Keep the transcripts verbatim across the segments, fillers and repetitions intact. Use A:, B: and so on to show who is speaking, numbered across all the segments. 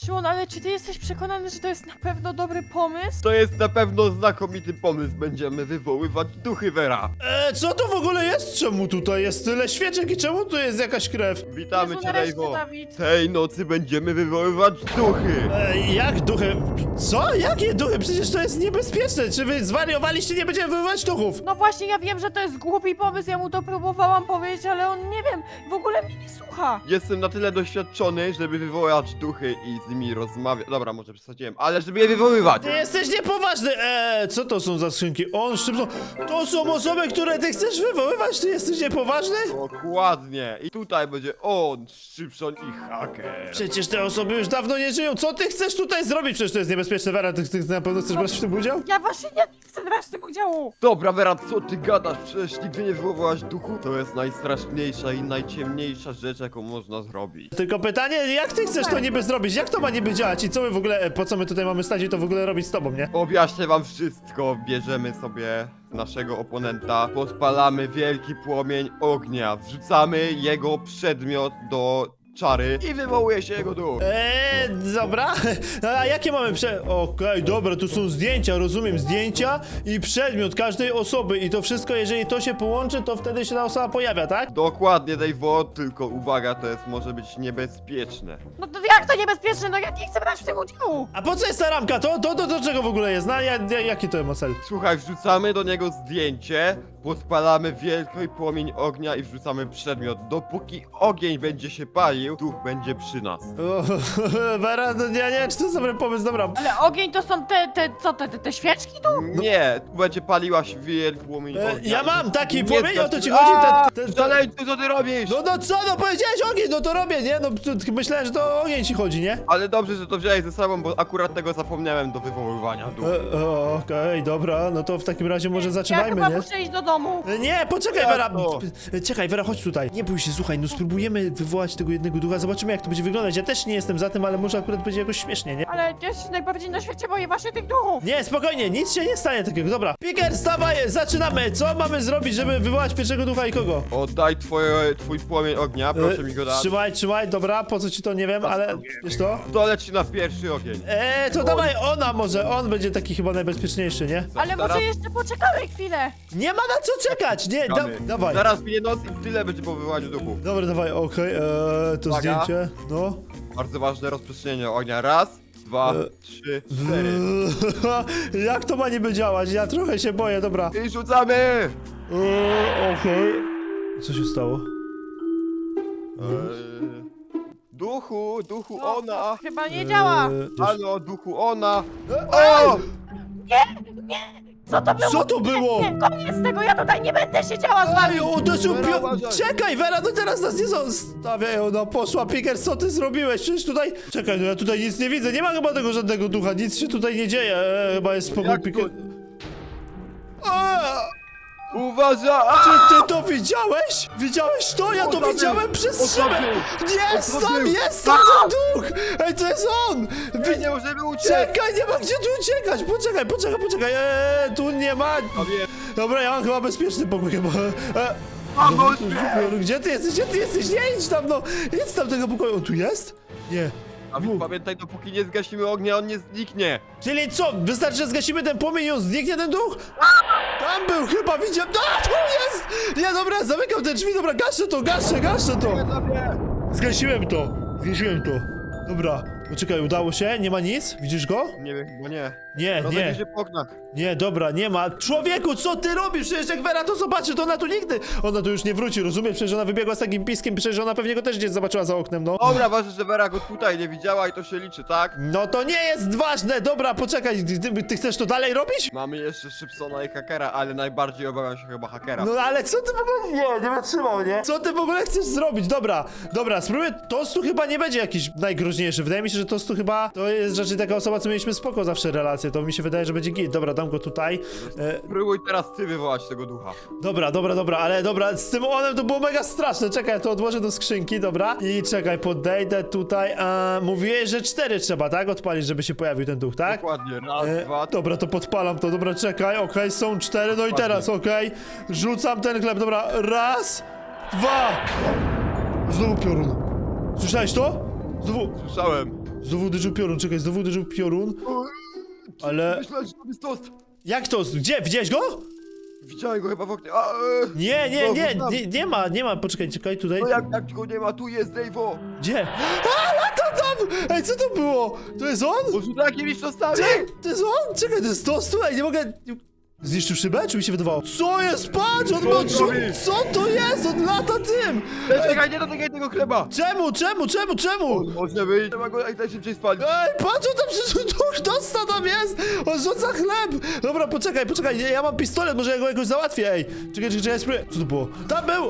A: Szymon, ale czy ty jesteś przekonany, że to jest na pewno dobry pomysł?
B: To jest na pewno znakomity pomysł. Będziemy wywoływać duchy, Vera.
C: E, co to w ogóle jest? Czemu tutaj jest tyle świeczek i czemu tu jest jakaś krew?
B: Witamy
A: Jezu,
B: cię,
A: nareszcie,
B: Rejwo.
A: Dawid.
B: Tej nocy będziemy wywoływać duchy.
C: E, jak duchy? Co? Jakie duchy? Przecież to jest niebezpieczne. Czy wy zwariowaliście? Nie będziemy wywoływać duchów.
A: No właśnie, ja wiem, że to jest głupi pomysł, ja mu to próbowałam powiedzieć, ale on, nie wiem, w ogóle mnie nie słucha.
B: Jestem na tyle doświadczony, żeby wywołać duchy i z nimi rozmawiać. Dobra, może przesadziłem, ale żeby je wywoływać.
C: Ty jesteś niepoważny. Eee, co to są za skrzynki? On, Szybson. To są osoby, które ty chcesz wywoływać? Ty jesteś niepoważny?
B: Dokładnie. I tutaj będzie on, Szybson i Haker.
C: Przecież te osoby już dawno nie żyją. Co ty chcesz tutaj zrobić? Przecież to jest niebezpieczne, Vera. Ty, ty na pewno chcesz brać w tym udział?
A: Ja właśnie nie chcę brać w tym udziału.
B: Dobra, Vera, co ty gadasz? Przecież nigdy nie wywołałaś duchu. To jest najstraszniejsza i najciemniejsza rzecz, jaką można zrobić.
C: Tylko pytanie, jak ty chcesz to niby zrobić? Jak to ma niby działać? I co my w ogóle, e, po co my tutaj mamy stać i to w ogóle robić z tobą, nie?
B: Objaśnię wam wszystko. Bierzemy sobie naszego oponenta, podpalamy wielki płomień ognia, wrzucamy jego przedmiot do czary i wywołuje się jego duch.
C: Eee, dobra. A jakie mamy prze... Okej, dobra, tu są zdjęcia, rozumiem, zdjęcia i przedmiot każdej osoby i to wszystko, jeżeli to się połączy, to wtedy się ta osoba pojawia, tak?
B: Dokładnie, Dave'o, tylko uwaga, to jest może być niebezpieczne.
A: No to jak to niebezpieczne? No ja nie chcę brać w tym udziału.
C: A po co jest ta ramka? To, to, to do czego w ogóle jest? No, ja, ja, jaki to ma cel?
B: Słuchaj, wrzucamy do niego zdjęcie, podpalamy wielki płomień ognia i wrzucamy przedmiot. Dopóki ogień będzie się palił, duch będzie przy nas.
C: O, Vera, no, ja nie wiem, czy to jest dobry pomysł, dobra.
A: Ale ogień to są te, te, co, te, te, te świeczki tu?
B: Nie, tu będzie paliła się wielki płomień
C: E,
B: ognia.
C: ja
B: i-
C: mam taki
B: nie
C: płomień, o to ci
B: zgasz-
C: chodzi?
B: A,
C: Ten, ten, ten,
B: Szaleńcu, co ty robisz?
C: no, no co, no powiedziałeś ogień, no to robię, nie? No tu- myślałem, że to o ogień ci chodzi, nie?
B: Ale dobrze, że to wziąłeś ze sobą, bo akurat tego zapomniałem do wywoływania duchu.
C: E, o, Okej, dobra, no to w takim razie może
A: Ja
C: zaczynajmy,
A: chyba
C: nie?
A: muszę iść do domu.
C: E, Nie, poczekaj,
B: Jak
C: Vera.
B: to?
C: E, Czekaj, Vera, chodź tutaj. Nie bój się, słuchaj, no spróbujemy wywołać tego jednego ducha, zobaczymy jak to będzie wyglądać. Ja też nie jestem za tym, ale może akurat będzie jakoś śmiesznie, nie?
A: Ale ja się najbardziej na świecie boję właśnie tych duchów.
C: Nie, spokojnie, nic się nie stanie takiego, dobra. Piker, stawaj, zaczynamy. Co mamy zrobić, żeby wywołać pierwszego ducha i kogo?
B: Oddaj twoje, twój płomień ognia, proszę
C: E,
B: mi go dać.
C: Trzymaj, trzymaj, dobra, po co ci to, nie wiem, ale wiesz to?
B: To leci na pierwszy ogień.
C: Eee, to dawaj ona może, on będzie taki chyba najbezpieczniejszy, nie?
A: Ale
B: Zaraz-
A: może jeszcze poczekamy chwilę.
C: Nie ma na co czekać, nie, da,
B: Czekamy.
C: dawaj.
B: Zaraz minie noc i tyle będzie po wywołaniu duchu.
C: Dobra, dawaj, okej, eee, to
B: Uwaga.
C: zdjęcie, no.
B: Bardzo ważne rozprzestrzenienie ognia. Raz, dwa,
C: E.
B: trzy, cztery.
C: Jak to ma niby działać? Ja trochę się boję, dobra.
B: I rzucamy!
C: Eee, okej. Co się stało?
B: Eee, duchu, duchu
A: No,
B: ona!
A: Chyba nie działa.
C: Eee, też-
B: Halo, duchu ona!
C: Ej!
B: O!
A: Co to było?
C: Co to było?
A: Nie, koniec tego, ja tutaj nie będę siedziała z wami.
C: Ej, uderzył
B: Vera,
C: pio...
B: uważaj.
C: Czekaj, Vera, no teraz nas nie zostawiają, no poszła, Piker, co ty zrobiłeś? Przecież tutaj... Czekaj, no ja tutaj nic nie widzę, nie ma chyba tego żadnego ducha, nic się tutaj nie dzieje, eee, chyba jest spokój,
B: Jak to?
C: Piker... Eee!
B: Uważaj!
C: Czy ty to widziałeś? Widziałeś to? Ja to
B: Odwrócił.
C: widziałem przez
B: Odwrócił.
C: szybę! Jest tam,
B: Odwrócił.
C: jest tam ten duch! Ej, to jest on!
B: My nie możemy uciec!
C: Czekaj, nie ma gdzie tu uciekać! Poczekaj, poczekaj, poczekaj! Eee, tu nie ma...
B: A wiem.
C: Dobra, ja mam chyba bezpieczny pokój chyba. Eee,
B: Pomóż
C: no, gdzie ty jesteś? Gdzie ty jesteś? Nie idź tam, no! Idź tam tego pokoju. On tu jest? Nie.
B: A więc pamiętaj, dopóki nie zgasimy ognia, on nie zniknie!
C: Czyli co? Wystarczy, że zgasimy ten płomień i on zniknie ten duch? Tam był chyba, widziałem... A, tu jest! Nie, dobra, zamykam te drzwi, dobra, gaszę to, gaszę, gaszę to! Zgasiłem to, zgasiłem to. Dobra, poczekaj, udało się? Nie ma nic? Widzisz go?
B: Nie wiem, bo nie.
C: Nie,
B: Rozejdzie
C: nie.
B: się po oknach.
C: Nie, dobra, nie ma. Człowieku, co ty robisz? Przecież jak Vera to zobaczy, to ona tu nigdy... Ona tu już nie wróci, rozumiesz? Przecież ona wybiegła z takim piskiem, przecież ona pewnie go też gdzieś zobaczyła za oknem, no.
B: Dobra, ważne, że Vera go tutaj nie widziała i to się liczy, tak?
C: No to nie jest ważne, dobra, poczekaj, ty, ty, ty chcesz to dalej robić?
B: Mamy jeszcze Szybsona i Hakera, ale najbardziej obawiam się chyba Hakera.
C: No ale co ty w ogóle... Nie, nie wytrzymał, nie? Co ty w ogóle chcesz zrobić? Dobra, dobra, spróbuję... Tostu chyba nie będzie jakiś najgroźniejszy. Wydaje mi się, że Tostu chyba... To jest raczej taka osoba, co mieliśmy spoko zawsze relacje. To mi się wydaje, że będzie git. Dobra, dam go tutaj. E,
B: Spróbuj teraz ty wywołać tego ducha.
C: dobra, dobra, dobra, ale dobra, z tym onem to było mega straszne. Czekaj, ja to odłożę do skrzynki, dobra? I czekaj, podejdę tutaj. A, mówiłeś, że cztery trzeba, tak? Odpalić, żeby się pojawił ten duch, tak?
B: Dokładnie, raz,
C: E,
B: dwa,
C: dobra, to podpalam to, dobra, czekaj, okej, są cztery, no i teraz, okej, rzucam ten chleb, dobra, raz, dwa, znowu piorun, słyszałeś to? Znowu,
B: słyszałem.
C: Znowu uderzył piorun, czekaj, znowu uderzył piorun. Ale...
B: Myślałem, że to jest tost.
C: Jak to? Gdzie? Widziałeś go?
B: Widziałem go chyba w oknie. A, e,
C: Nie, nie,
B: no,
C: nie,
B: tam.
C: nie, nie ma, nie ma, poczekaj, czekaj, tutaj.
B: No jak, jak go nie ma, tu jest Dave'o.
C: Gdzie? A, lata tam! Ej, co to było? To jest on?
B: Może takimi tostami?
C: Ty, to jest on? Czekaj, to jest to, słuchaj, nie mogę... Zniszczył szybę, czy mi się wydawało? Co jest? Patrz, on
B: Co
C: ma...
B: on
C: Co,
B: robi?
C: co to jest? On lata tym!
B: Ej, czekaj, nie dotykaj tego chleba.
C: Czemu, czemu, czemu, czemu?
B: On może być, trzeba go jak najszybciej spalić.
C: Ej, patrz, on tam przecież duch dosta tam jest! On rzuca chleb! Dobra, poczekaj, poczekaj, ja, ja mam pistolet, może ja go jakoś załatwię, ej! Czekaj, czekaj, czekaj, spróbuję. Co to było? Tam był!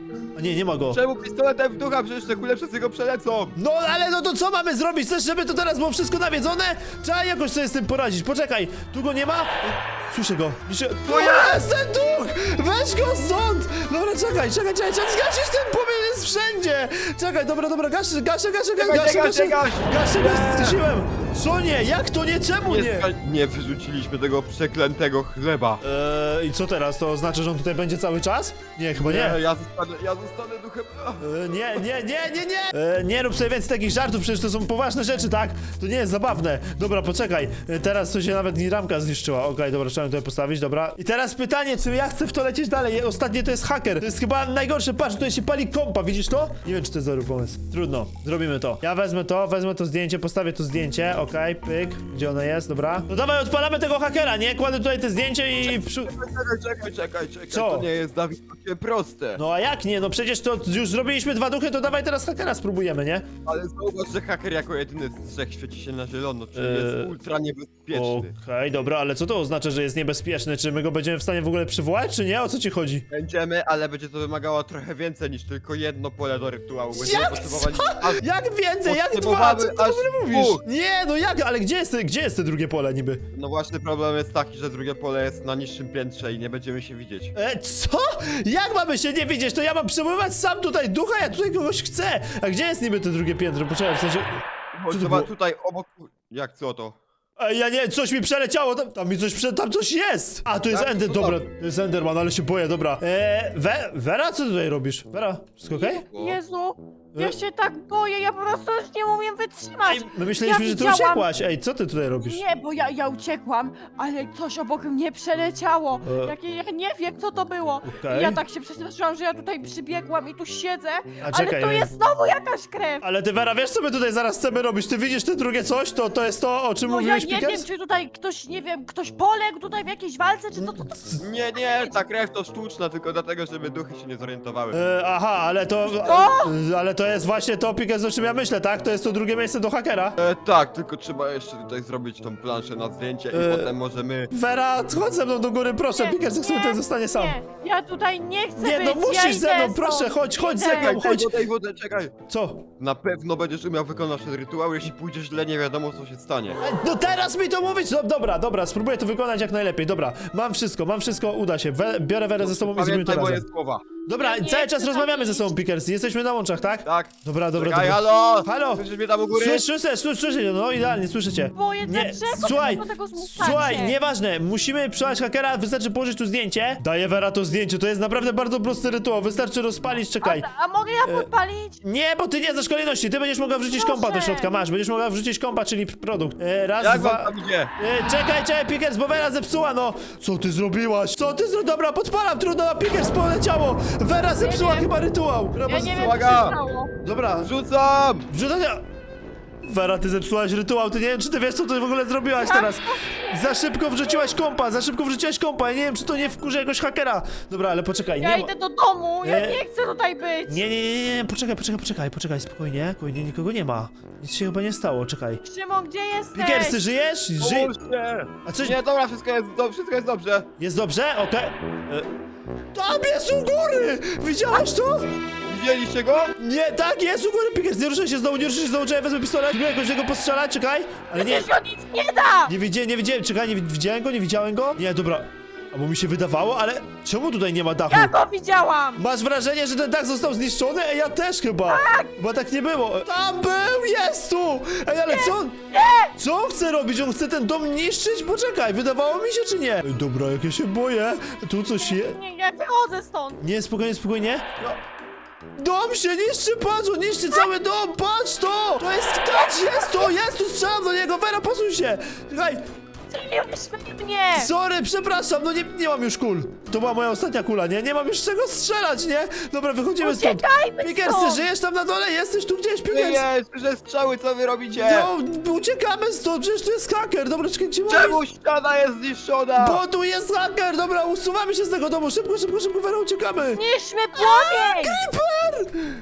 C: A nie, nie ma go.
B: Czemu pistoletem w ducha? Przecież te kule przez niego przelecą.
C: No, ale no to co mamy zrobić? Chcesz, żeby to teraz było wszystko nawiedzone? Trzeba jakoś sobie z tym poradzić. Poczekaj, tu go nie ma? Słyszę go. Słyszę... To jest ten duch! Weź go stąd! Dobra, czekaj, czekaj, czekaj, trzeba zgasić ten płomień, jest wszędzie! Czekaj, dobra, dobra, gaszę, gaszę, gaszę, gaszę,
B: Czekaj,
C: gaszę,
B: czekaj,
C: gaszę,
B: czekaj.
C: gaszę, gaszę, zgasiłem! Co nie? Jak to nie? Czemu
B: Nie,
C: nie?
B: ska- nie wyrzuciliśmy tego przeklętego chleba.
C: Eee, i co teraz? To oznacza, że on tutaj będzie cały czas? Nie, chyba nie.
B: ja zostanę, ja zostanę duchem.
C: E, nie, nie, nie, nie, nie! E, nie rób sobie więcej takich żartów, przecież to są poważne rzeczy, tak? To nie jest zabawne. Dobra, poczekaj. E, teraz to się nawet mi ramka zniszczyła. Okej, dobra, trzeba ją tutaj postawić, dobra. I teraz pytanie, czy ja chcę w to lecieć dalej? Ostatnie to jest haker. To jest chyba najgorsze. Patrz, tutaj się pali kompa, widzisz to? Nie wiem, czy to jest dobry pomysł. Trudno, zrobimy to. Ja wezmę to, wezmę to zdjęcie, postawię to zdjęcie. Okej, pyk. Gdzie ono jest? Dobra. No dawaj, odpalamy tego hakera, nie? Kładę tutaj te zdjęcie i... przy-
B: Czekaj, czekaj, czekaj, czekaj.
C: Co?
B: To nie jest, Dawid, takie proste.
C: No a jak nie? No przecież to już zrobiliśmy dwa duchy, to dawaj teraz hakera spróbujemy, nie?
B: Ale zauważ, że haker jako jedyny z trzech świeci się na zielono, czyli
C: Eee,
B: jest ultra niebezpieczny.
C: Okej, dobra, ale co to oznacza, że jest niebezpieczny? Czy my go będziemy w stanie w ogóle przywołać, czy nie? O co ci chodzi?
B: Będziemy, ale będzie to wymagało trochę więcej niż tylko jedno pole do rytuału. Będziemy
C: Jak
B: potrzebowali
C: co?
B: aż
C: Jak więcej? Jak dwa?
B: Potrzebowamy
C: Co ty w
B: aż
C: ogóle mówisz?
B: dwóch.
C: Nie, no jak? Ale gdzie jest, gdzie jest te drugie pole niby?
B: No właśnie problem jest taki, że drugie pole jest na niższym piętrze i nie będziemy się widzieć.
C: E, co? Jak mamy się nie widzieć? To ja mam przywoływać sam tutaj ducha, ja tutaj kogoś chcę! A gdzie jest niby to drugie piętro? Poczekaj, w sensie...
B: Bo
C: to
B: trzeba
C: było?
B: tutaj obok... Jak co to?
C: Ej, ja nie, coś mi przeleciało, tam, tam mi coś, prze, tam coś jest! A, to jest
B: Tak,
C: Ender,
B: co
C: dobra,
B: tam?
C: to jest Enderman, ale się boję, dobra. Eee, We, Vera, co ty tutaj robisz? Vera, wszystko okej?
A: Jezu, ja
C: E?
A: się tak boję, ja po prostu już nie umiem wytrzymać.
C: Ej, my myśleliśmy,
A: ja
C: że ty
A: widziałam-
C: uciekłaś. Ej, co ty tutaj robisz?
A: Nie, bo ja, ja uciekłam, ale coś obok mnie przeleciało.
C: E.
A: Jakie, ja nie wiem, co to było.
C: Okej.
A: I ja tak się przestraszyłam, że ja tutaj przybiegłam i tu siedzę,
C: A czekaj,
A: ale to
C: ej.
A: jest znowu jakaś krew.
C: Ale ty, Vera, wiesz co my tutaj zaraz chcemy robić? Ty widzisz te drugie coś? To, to jest to, o czym
A: No ja
C: mówiłeś,
A: nie
C: Pickers?
A: wiem, czy tutaj ktoś, nie wiem, ktoś poległ tutaj w jakiejś walce, czy co to, to...
B: Nie, nie, ta krew to sztuczna, tylko dlatego, żeby duchy się nie zorientowały.
C: E, aha, ale to...
A: Co?
C: e, Ale to jest właśnie to, Pickers, o czym ja myślę, tak? To jest to drugie miejsce do hakera.
B: E, tak, tylko trzeba jeszcze tutaj zrobić tą planszę na zdjęcie i
C: E.
B: potem możemy...
C: Vera, chodź ze mną do góry, proszę,
A: Nie,
C: Pickers, niech sobie
A: nie,
C: tutaj zostanie sam.
A: Nie, ja tutaj nie chcę
C: Nie,
A: być,
C: no musisz
A: ja
C: ze
A: idę
C: mną, proszę,
A: stąd.
C: chodź, chodź
A: Idę.
C: ze mną, chodź.
B: Czekaj, wodę, czekaj.
C: Co?
B: Na pewno będziesz umiał wykonać ten rytuał, jeśli pójdzie źle, nie wiadomo co się stanie.
C: No teraz mi to mówić? No, dobra, dobra, spróbuję to wykonać jak najlepiej, dobra. Mam wszystko, mam wszystko, uda się. We, biorę Werę ze sobą i zrobimy to
B: Pamiętaj moje
C: razem.
B: słowa.
C: Dobra,
A: Ja nie
C: cały
A: chcę
C: czas
A: tam
C: rozmawiamy ze
A: iść.
C: sobą, Pickers. Jesteśmy na łączach, tak?
B: Tak.
C: Dobra, dobra,
B: Czekaj,
C: dobra.
B: halo!
C: Halo?
B: Słyszysz mnie tam u góry?
C: Słyszę, słyszę, słyszę, słyszę, no idealnie, słyszycie.
A: Boję, dlaczego
C: słuchaj,
A: do tego zmuszacie?
C: słuchaj, nieważne, musimy przelać hakera, wystarczy położyć tu zdjęcie. Daję Vera to zdjęcie, to jest naprawdę bardzo prosty rytuał, wystarczy rozpalić, czekaj.
A: A, a mogę ja podpalić?
C: Nie, bo ty nie znasz kolejności, ty będziesz mogła wrzucić
A: Proszę.
C: kompa do środka, masz, będziesz mogła wrzucić kompa, czyli produkt. E, raz,
B: Jak
C: dwa...
B: wam tam idzie?
C: E, czekaj, czekaj, Pickers, bo Vera zepsuła, no! Co ty zrobiłaś? Co ty zrobiłaś? Dobra, podpalam, trudno, a Pickers poleciało! Vera zepsuła
A: wiem.
C: chyba rytuał! Dobra,
A: Ja nie wiem, co się
B: uwaga.
A: stało.
C: Dobra,
B: Rzucam!
C: wrzucania... Vera, ty zepsułaś rytuał, ty nie wiem, czy ty wiesz, co ty w ogóle zrobiłaś teraz. Za szybko wrzuciłaś kompa, za szybko wrzuciłaś kompa, ja nie wiem, czy to nie wkurzy jakoś hakera. Dobra, ale poczekaj,
A: Ja
C: nie ma...
A: idę do domu, ja
C: Nie.
A: nie chcę tutaj być.
C: Nie, nie, nie, nie, poczekaj, poczekaj, poczekaj, poczekaj, spokojnie, spokojnie, nikogo nie ma. Nic się chyba nie stało, czekaj.
A: Szymon, gdzie jesteś?
C: Pickers, ty żyjesz? Ży...
B: Pomóżcie!
C: A coś...
B: Nie, dobra, wszystko jest, do, wszystko jest dobrze.
C: Jest dobrze? Okej. E, Tam jest u góry! Widziałaś to?
B: Widzieliście go?
C: Nie, tak, jest u góry, Pickers, nie ruszaj się znowu, nie ruszaj się znowu, czekaj, wezmę pistolet, próbuję jakoś jego postrzelać, czekaj. Ale nie,
A: Przecież on nic nie da!
C: nie widziałem, nie widziałem, czekaj, nie wi- widziałem go, nie widziałem go? Nie, dobra. Albo mi się wydawało, ale czemu tutaj nie ma dachu?
A: Ja go widziałam!
C: Masz wrażenie, że ten dach został zniszczony? Ej, ja też chyba. Tak! Bo tak nie było. Tam był, jest tu! Ej, ale co on... Co on chce robić? On chce ten dom niszczyć? Poczekaj, wydawało mi się, czy nie? Ej, dobra, jak ja się boję. Tu coś jest.
A: Nie, ja wychodzę stąd.
C: Nie, spokojnie, spokojnie. No. Dom się niszczy, patrz, on niszczy cały dom, patrz to! To jest kacz, jest to, jest tu, strzelam do niego, Vera, posuń się! Czekaj,
A: Strzeliłeś we mnie!
C: sorry, przepraszam, no nie, nie mam już kul. To była moja ostatnia kula, nie? Nie mam już czego strzelać, nie? Dobra, wychodzimy stąd.
A: Uciekajmy
C: Pikersy,
A: stąd!
C: żyjesz tam na dole? Jesteś tu gdzieś,
B: Nie
C: Pikers?
B: jest, że strzały, co wy robicie?
C: No, uciekamy stąd, przecież tu jest haker, dobra, czekaj, gdzie mamy?
B: Czemu ściana jest zniszczona?
C: Bo tu jest haker, dobra, usuwamy się z tego domu, szybko, szybko, szybko, Vera, uciekamy!
A: Zniszczmy płomień!
C: Creeper!